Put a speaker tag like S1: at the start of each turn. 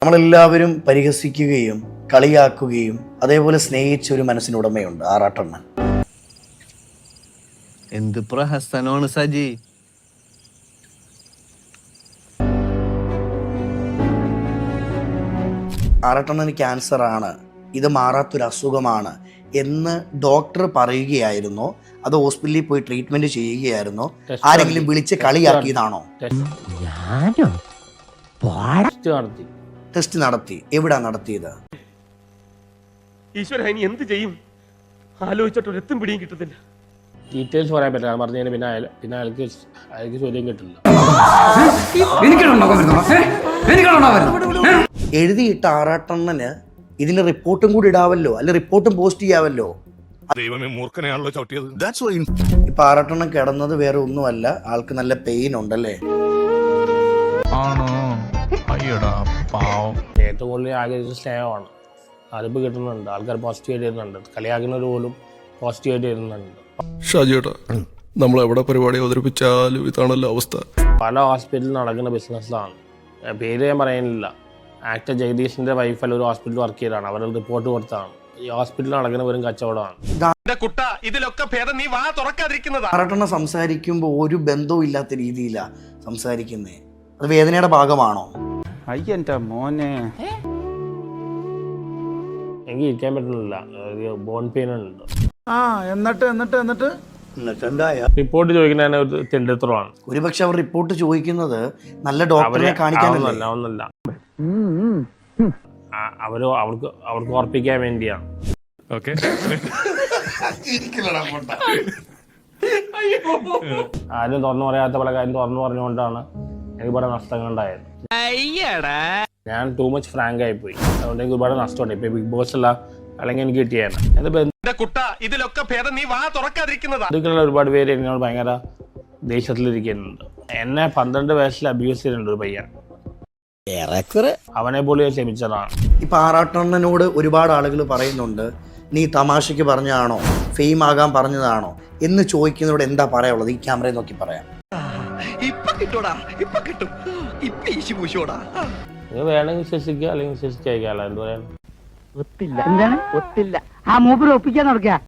S1: നമ്മളെല്ലാവരും പരിഹസിക്കുകയും കളിയാക്കുകയും അതേപോലെ സ്നേഹിച്ച ഒരു മനസ്സിനുടമയുണ്ട് ആറാട്ടണ്ണൻ.
S2: എന്ത് പ്രഹസനമാണ് സജി.
S1: ആറാട്ടണ്ണന് ക്യാൻസർ ആണ്, ഇത് മാറാത്തൊരു അസുഖമാണ് എന്ന് ഡോക്ടർ പറയുകയായിരുന്നോ അത് ഹോസ്പിറ്റലിൽ പോയി ട്രീറ്റ്മെന്റ് ചെയ്യുകയായിരുന്നോ? ആരെങ്കിലും വിളിച്ച് കളിയാക്കിയതാണോ? ടെസ്റ്റ് നടത്തി. എവിടാ നടത്തിയത്?
S3: ഈശ്വര, ഇനി എന്ത് ചെയ്യും ആലോചിച്ചിട്ട് ഒരെത്തും പിടിയും കിട്ടത്തില്ല.
S4: ഡീറ്റെയിൽസ് പറയാൻ പറ്റില്ല. പറഞ്ഞു കഴിഞ്ഞാൽ പിന്നെ അയാൾക്ക് ചോദ്യം കിട്ടില്ല.
S1: എഴുതിയിട്ട ആറാട്ടണ്ണന് ഇതിന് റിപ്പോർട്ടും കൂടി ഇടാവല്ലോ, അല്ലെ റിപ്പോർട്ടും പോസ്റ്റ് ചെയ്യാവല്ലോ. ഇപ്പൊ ആറാട്ടണ്ണൻ കിടന്നത് വേറെ ഒന്നുമല്ല, ആൾക്ക് നല്ല പെയിൻ ഉണ്ടല്ലേ?
S4: ഏറ്റവും കൂടുതൽ ആഗ്രഹിച്ച സ്നേഹമാണ്. അതിപ്പോ കിട്ടുന്നുണ്ട്. ആൾക്കാർ പോസിറ്റീവായിട്ട് വരുന്നുണ്ട്. കളിയാക്കുന്നവർ പോലും പോസിറ്റീവായിട്ട് വരുന്നുണ്ട്.
S5: ഷാജിയേട്ടാ, നമ്മൾ എവിടെ പരിപാടി അവതരിപ്പിച്ചാലും ഇതാണല്ലോ അവസ്ഥ.
S4: പല ഹോസ്പിറ്റലിൽ നടക്കുന്ന ബിസിനസ്സിലാണ്. പേര് ഞാൻ പറയുന്നില്ല. ആക്ടർ ജഗദീഷിന്റെ വൈഫല്ല ഒരു ഹോസ്പിറ്റലിൽ വർക്ക് ചെയ്തതാണ്. അവർ റിപ്പോർട്ട് കൊടുത്താണ്. ഈ ഹോസ്പിറ്റലിൽ നടക്കുന്ന വെറും കച്ചവടമാണ്.
S1: ആറാട്ടണ്ണൻ സംസാരിക്കുമ്പോൾ ഒരു ബന്ധവും ഇല്ലാത്ത രീതിയിലാണ് സംസാരിക്കുന്നേ. അത് വേദനയുടെ ഭാഗമാണോ?
S6: അയ്യന്റെ മോനെ,
S4: എനിക്ക് ഇരിക്കാൻ പറ്റുന്നില്ല. ബോൺ പെയിൻ ഉണ്ട്.
S6: എന്നിട്ട്
S4: റിപ്പോർട്ട് ചോദിക്കുന്ന ഒരു തെണ്ടിത്തരമാണ്.
S1: ഒരുപക്ഷെ അവർ റിപ്പോർട്ട് ചോദിക്കുന്നത് നല്ല ഡോക്ടറെ കാണിക്കാനല്ല.
S4: അവർക്ക് ഉറപ്പിക്കാൻ വേണ്ടിയാണ്. ആരും തുറന്നു പറയാത്ത പല കാര്യം തുറന്നു പറഞ്ഞുകൊണ്ടാണ് എനിക്ക് ഒരുപാട് നഷ്ടങ്ങൾ ഉണ്ടായത്. ഞാൻ ടൂ മച്ച് ഫ്രാങ്ക് ആയി പോയി. അതുകൊണ്ട് എനിക്ക് ഒരുപാട് നഷ്ടമുണ്ട്. ഇപ്പൊ ബിഗ് ബോസ് അല്ല, അല്ലെങ്കിൽ എനിക്ക് കിട്ടിയാണ്. ഒരുപാട് പേര് എന്നോട് ഭയങ്കര ദേഷ്യത്തിലിരിക്കുന്നുണ്ട്. എന്നെ 12 വയസ്സിൽ അബ്യൂസ് ചെയ്തിട്ടുണ്ട് ഒരു പയ്യൻ. അവനെ പോലും ക്ഷമിച്ചതാണ്.
S1: ഇപ്പൊ ആറാട്ടണ്ണനോട് ഒരുപാട് ആളുകൾ പറയുന്നുണ്ട്, നീ തമാശക്ക് പറഞ്ഞതാണോ, ഫെയിം ആകാൻ പറഞ്ഞതാണോ എന്ന് ചോദിക്കുന്നതോട് എന്താ പറയാനുള്ളത്? ഈ ക്യാമറയെ നോക്കി പറയാം.
S4: നിങ്ങൾ വേണമെങ്കിൽ വിശ്വസിക്കുക, അല്ലെങ്കിൽ വിശ്വസിച്ചേക്കാലോ. എന്ത് പറയാൻ
S7: ഒത്തില്ല. എന്താണ് ഒത്തില്ല? ആ മൂപ്പര് ഒപ്പിക്കാൻ നടക്കുക.